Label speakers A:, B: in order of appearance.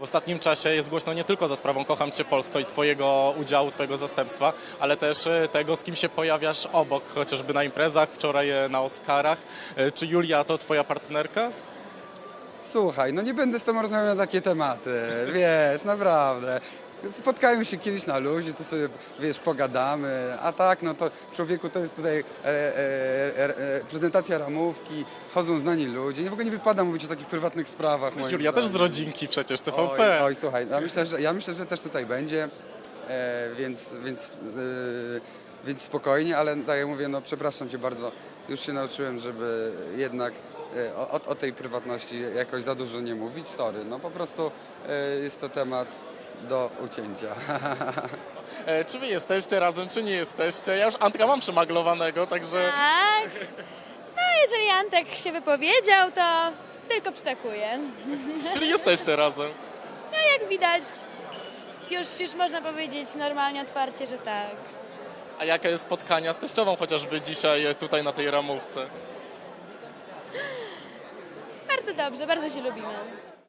A: W ostatnim czasie jest głośno nie tylko za sprawą Kocham Cię Polsko i twojego udziału, twojego zastępstwa, ale też tego, z kim się pojawiasz obok, chociażby na imprezach, wczoraj na Oscarach. Czy Julia to twoja partnerka?
B: Słuchaj, no nie będę z tobą rozmawiał na takie tematy, wiesz, naprawdę. Spotkajmy się kiedyś na luzie, to sobie, wiesz, pogadamy, a tak, no to człowieku, to jest tutaj prezentacja ramówki, chodzą znani ludzie, w ogóle nie wypada mówić o takich prywatnych sprawach. moim
A: Julia też z
B: zdaniem.
A: rodzinki przecież, TVP.
B: Oj, słuchaj, ja myślę, że też tutaj będzie, więc spokojnie, ale tak jak mówię, no przepraszam cię bardzo, już się nauczyłem, żeby jednak o tej prywatności jakoś za dużo nie mówić, sorry, no po prostu jest to temat do ucięcia.
A: Czy wy jesteście razem, czy nie jesteście? Ja już Antka mam przemaglowanego, także...
C: Tak. No jeżeli Antek się wypowiedział, to tylko przytakuje.
A: Czyli jesteście razem.
C: No jak widać, już można powiedzieć normalnie, otwarcie, że tak.
A: A jakie spotkania z teściową chociażby dzisiaj tutaj na tej ramówce?
C: Bardzo dobrze, bardzo się lubimy.